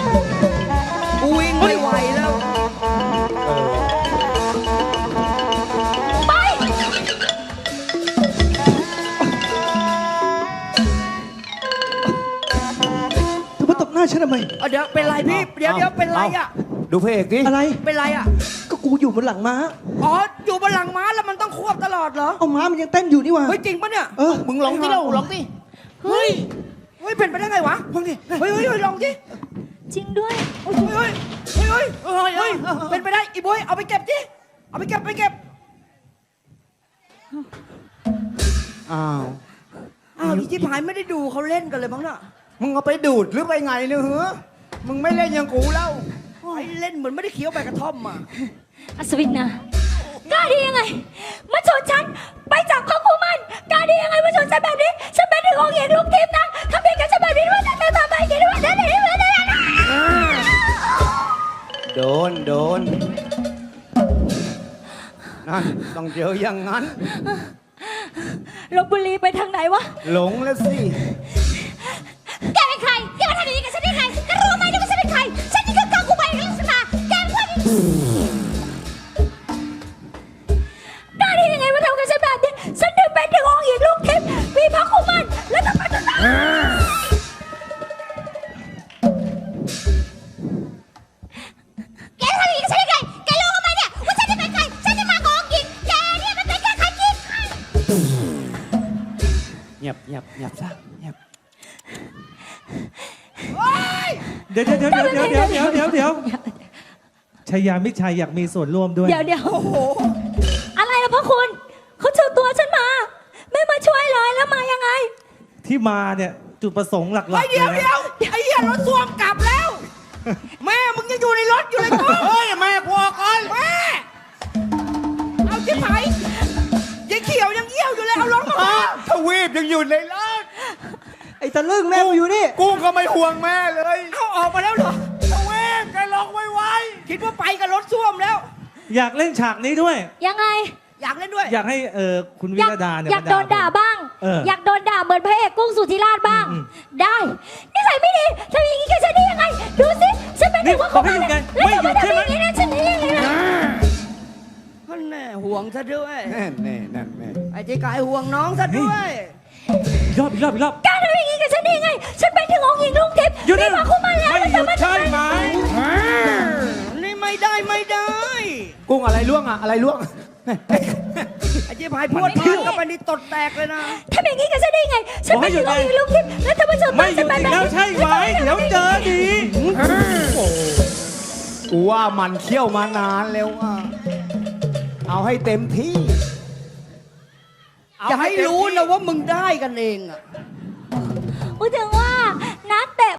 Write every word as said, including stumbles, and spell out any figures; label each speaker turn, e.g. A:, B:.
A: กูวิ่งไม่ไหวแล้ว
B: ไป
C: เธอมาตบหน้าฉันทำไม
A: เอาเดี๋ยวเป็นไรพี่เดี๋ยวเดี๋ยวเป็นไรอ่ะ
D: ดูพระเอกดิ
C: อะไร
A: เป็นไรอ่ะ
C: ก็กูอยู่บนหลังม้า
A: อ๋ออยู่บนหลังม้าแล้วมันต้องควบตลอดเหรอ
C: เอาม้ามันยังเต้นอยู่นี่หว่า
A: เฮ้ยจริงปะเนี่ย
C: เออ
D: มึงลองที่เราลองดิ
A: เฮ้ยเฮ้ยเป็นไปได้ไงวะลองดิเฮ้ยเฮ้ยเฮ้ยลองดิ
B: จริงด้วย
A: เฮ้ยเฮ้ยเฮ้ยเฮ้ยเฮ้ยเป็นไปได้อีบอยเอาไปเก็บดิเอาไปเก็บไปเก็บ
D: อ้าว
A: อ้าวอีจิพายไม่ได้ดูเขาเล่นกันเลยมั้งน่ะ
D: มึงเอาไปดูดหรือไปไงเนี่ยเหรอมึงไม่เล่นอย่างกูแล้ว
A: ไอ้เล่นเหมือนไม่ได้เคี้ยวใบกระท่อมมา
B: อัศวินนะกล้าดียังไงมาชนฉันไปจับข้าคุมันกล้าดียังไงมาชนฉันแบบนี้ฉันเป็นถึงองค์หญิงลูกทิพย์นะทำเพียงแค่ฉันแบบนี้ว่าจะทำอะไรกินว่าจะไหนว่าจะไหน
D: โดนโดนนั่นต้องเจออย่างนั้น
B: ลพบุรีไปทางไหนวะ
D: หลงแล้วสิ
B: แกเป็นใครแกมาทำอย่างนี้กับฉันได้ไงแกรู้ไหมว่าฉันเป็นใครฉันนี่คือกังกูไปลักษณะแกเป็นคนกล้าดียังไงมาทำกับฉันแบบนี้ฉันถึงเป็นถึงองค์หญิงลูกทิพย์มีพระคุมันแล้วทำไมต้องแกทำอย่างนี้กับฉันได้ไงแกรู้ไหมเนี่ยว่าฉันจะเป็นใครฉันจะมาขององค์หญิงแกเนี่ยมันเป็นแค่ใครกิน
D: เงียบเงียบเงียบซะเงียบ
E: เดี๋ยวเดี๋ยวเดี๋ยวเดี๋ยวเดี๋ยวเดี๋ยวเดี๋ยวเดี๋ยวชายามิชัยอยากมีส่วนร่วมด้วย
B: เดี๋ยวเดี๋ยวโอ้โหอะไรล่ะพ่อคุณเขาเชิญตัวฉันมา ไม่มาช่วยเลยแล้วมายังไง
E: ที่มาเนี่ยจุดประสงค์หลัก
A: ไอ้
E: ๆ
A: เดี๋ยว
E: เลย
A: เดี๋ย
E: นะ
A: วไอ้เหี้ยรถส้วมกลับแล้ว แม่มึงยังอยู่ในรถอยู่เลยกู
D: เฮ้ยแม่กลัวก่อน
A: แม่เอาจิพายยังเขียวยังเยี่ยวอยู่เลยเอารถมา
D: อ้าทวีปยังอยู่ในรถ
C: ไอ้ตะลึงแม่กูอยู่นี่
D: กูก็ไม่ห่วงแม่เลย
A: เอาออกมาแล้วเหรอ
D: ทวีปแกลองไว้ไว้
A: คิดว่าไปกับรถส้วมแล้ว
E: อยากเล่นฉากนี้ด้วย
B: ยังไง
A: อยากเล่นด้วย
E: อยากให้เออคุณวิ
B: อยาก
E: รดาเนี่ย
B: อยาก
E: ม
B: โดนด่าบ้าง
E: เออ
B: อยากโดนด่าเหมือนพระเอกกุ้งสุธิราชบ้าง
E: อืม
B: ได้นิสัยไม่ดีทำอย่างนี้กับฉันได้ยังไง ดูสิฉันเป็น
E: นี่
B: ถึงว่า
E: บอกให้หยุดไง
B: แล้ว
E: ไม่
B: จะ
E: หยุ
B: มา
E: ดใช่
B: ทำ
E: ไหม
B: อย่างนี้นะฉันได้ยังไงนะ
A: นั่นแน่ห่วงซะด้วย
D: แน่แน่นั่นแน่
A: ไอ้ที่กายห่วงน้องซะด้วย
E: อีกรอบอีกรอบอีกรอบ
B: การทำอย่างนี้กับฉันได้ยังไง ฉันเป็นถึงองค์หญิงลูกทิพย์
E: หยุด
B: มี
E: นะ
B: พระคุมันแล้ว
E: ไม่หยุดใช่ไหม
A: นี่ไม่ได้ไม่ได้
D: กุ้งอะไรล่วงอะอะไรล่วง
A: ไอ้ที่พายพูดพูดก็ไปนี่ตดแตกเลยนะ
B: ทำอย่างนี้กับฉันได้ยังไง ฉันเป็นถึงองค์หญิงลูกทิพย์แล้วทำไมเธอ
E: ไม่
B: มา
E: หยุ
B: ฉั
E: ด
B: นเป็น
E: อีก
B: แบบ
E: แล้ว
B: นี้
E: ใช่ไหมเดี๋ยวเจอดี
D: กูว่ามันเคี่ยวมานานแล้วอ่ะเอาให้เต็มที่
A: อย่าให้รู้นะว่ามึงได้กันเองอะ
B: พูดถึงว่านักเตะ